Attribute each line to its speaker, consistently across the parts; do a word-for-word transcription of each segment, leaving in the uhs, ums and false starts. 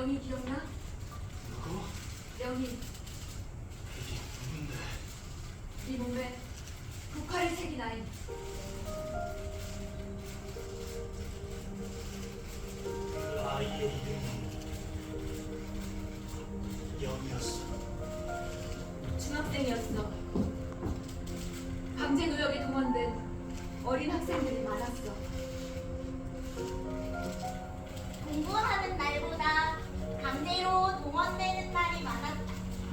Speaker 1: 영희 기억나?
Speaker 2: 누구?
Speaker 1: 영희.
Speaker 2: 이게 누군데?
Speaker 1: 네 몸에 국화를 새긴 아이.
Speaker 2: 그 아이의 이름은 영이었어.
Speaker 1: 중학생이었어. 강제 노역에 동원된 어린 학생들이 많았어.
Speaker 3: 공부하는 날보다 강제로 동원되는 날이 많았다.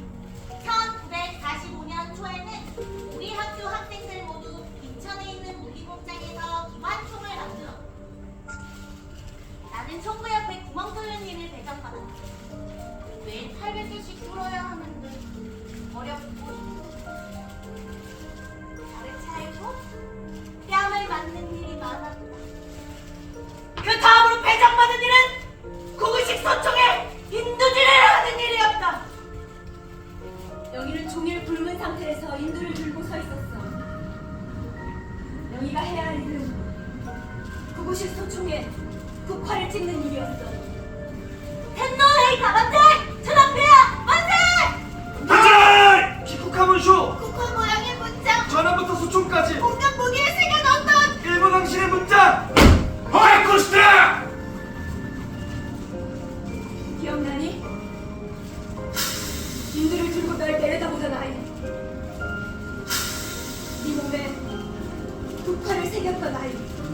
Speaker 3: 천구백사십오 년 초에는 우리 학교 학생들 모두 인천에 있는 무기공장에서 기관총을 만들었다. 나는 총구 옆에 구멍 뚫는 일을 배정받았다. 매일 팔백 개씩 뚫어야 하는데 어렵고 발을 차고 뺨을 맞는 일이 많았다. 그 다음으로 배정받은 일은 구구식 소총에 인두질을 하는 일이었다.
Speaker 1: 영희는 종일 굶은 상태에서 인두를 들고 서 있었어. 영희가 해야 할 일은 구구식 소총에 국화를 찍는 일이었어.
Speaker 3: 텐노헤이 가반대! 전함폐하 만세!
Speaker 4: 반장! 기국하문쇼!
Speaker 3: 국화 모양의 문장!
Speaker 4: 전함부터 수총까지
Speaker 3: 공격 무기에 새겨넣었던
Speaker 4: 일본 왕실의 문장! 호이코스타!
Speaker 1: 기억나니? 인두를 들고 날 내려다보던 아이. 네 몸에 국화를 새겼던 아이.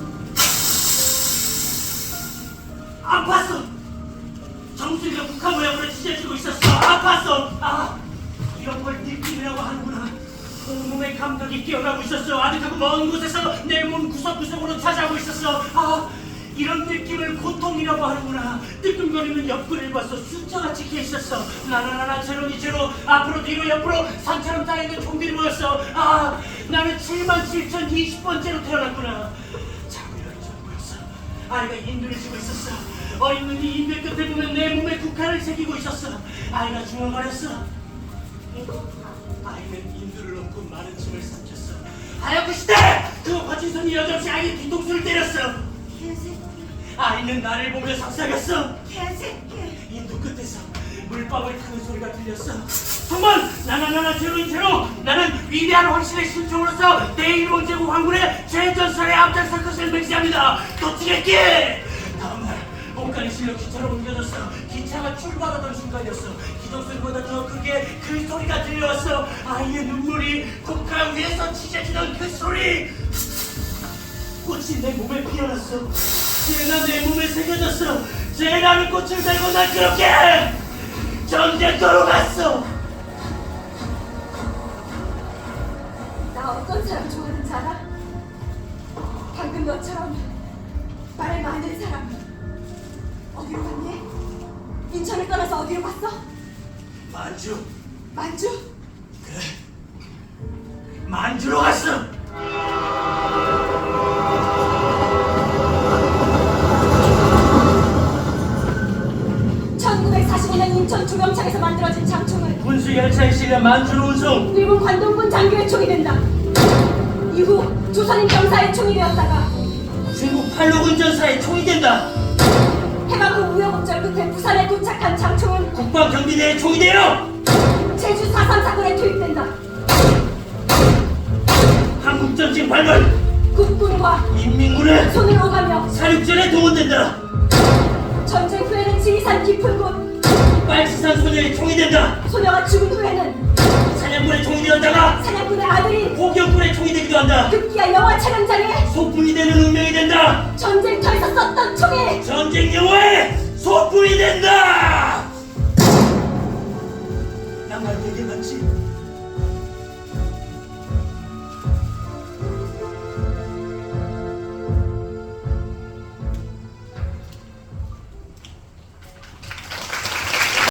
Speaker 2: 아팠어. 정수리가 국화 모양으로 찢어지고 있었어. 아팠어. 아, 이런 걸 느낌이라고 하는구나. 온몸의 감각이 깨어나고 있었어. 아득하고 먼 곳에서 내 몸 구석구석으로 찾아오고 있었어. 아, 이런 느낌을 고통이라고 하는구나. 뜨끔거리는 옆구리를 봤어. 숫자가 찍혀 있었어. 나나나나 제로니 제로. 앞으로 뒤로 옆으로 산처럼 쌓여있는 종들이 모였어. 아, 나는 칠만 칠천이십 번째로 태어났구나. 자고 일어난 줄 보였어. 아이가 인두를 쥐고 있었어. 어린 눈이 인대 끝을 보면 내 몸에 국화를 새기고 있었어. 아이가 중얼거렸어. 아이는 인두를 넘고 마른 침을 삼켰어. 하얗고 시대! 그 거친 손이 여전히 아이의 뒤통수를 때렸어.
Speaker 3: 개새끼
Speaker 2: 아이는 나를 보며 속삭였어.
Speaker 3: 개새끼
Speaker 2: 인두 끝에서 물방울 타는 소리가 들렸어. 정말 나나나나 제로인 제로. 나는 위대한 황실의 신종으로서 대일본 제국 황군의 최전선에 앞장설 것을 맹세합니다. 도치겠기! 다음날 옷간이 실려 기차로 옮겨졌어. 기차가 출발하던 순간이었어. 기동소리보다 더 크게 그 소리가 들려왔어. 아이의 눈물이 국가 위에서 찢어지던 그 소리. 꽃이 내 몸에 피어났어. 쟤가 내 몸에 새겨졌어. 쟤라는 꽃을 들고 난 그렇게 전쟁터로 갔어.
Speaker 1: 나 어떤 사람 좋아하는지 알아? 방금 너처럼 말 많은 사람. 어디로 갔니? 인천을 떠나서 어디로 갔어?
Speaker 2: 만주.
Speaker 1: 만주?
Speaker 2: 그래. 만주로 갔어.
Speaker 1: 천구백사십오 년 인천 조병창에서 만들어진 장총은
Speaker 2: 군수 열차에 실려 만주로 운송.
Speaker 1: 일본 관동군 장교의 총이 된다. 이후 조선인 병사의 총이 되었다가
Speaker 2: 중국 팔로군 전사의 총이 된다.
Speaker 1: 해방 후 우여곡절 끝에 부산에 도착한 장총은
Speaker 2: 국방경비대의 총이 되어
Speaker 1: 제주 사 삼 사건에 투입된다.
Speaker 2: 한국전쟁 발발.
Speaker 1: 국군과
Speaker 2: 인민군의
Speaker 1: 손을 오가며
Speaker 2: 사륙전에 동원된다.
Speaker 1: 전쟁 후에는 지리산 깊은 곳,
Speaker 2: 빨치산 소녀의 총이 된다.
Speaker 1: 소녀가 죽은 후에는
Speaker 2: 사냥꾼의 총이 되었다가
Speaker 1: 사냥꾼의 아들이
Speaker 2: 포경꾼의 총이 되기도 한다.
Speaker 1: 급기야 영화 촬영장에
Speaker 2: 소품이 되는 운명이 된다.
Speaker 1: 전쟁터에서 썼던 총에
Speaker 2: 전쟁 영화의 소품이 된다. 나 말 되게 맞지?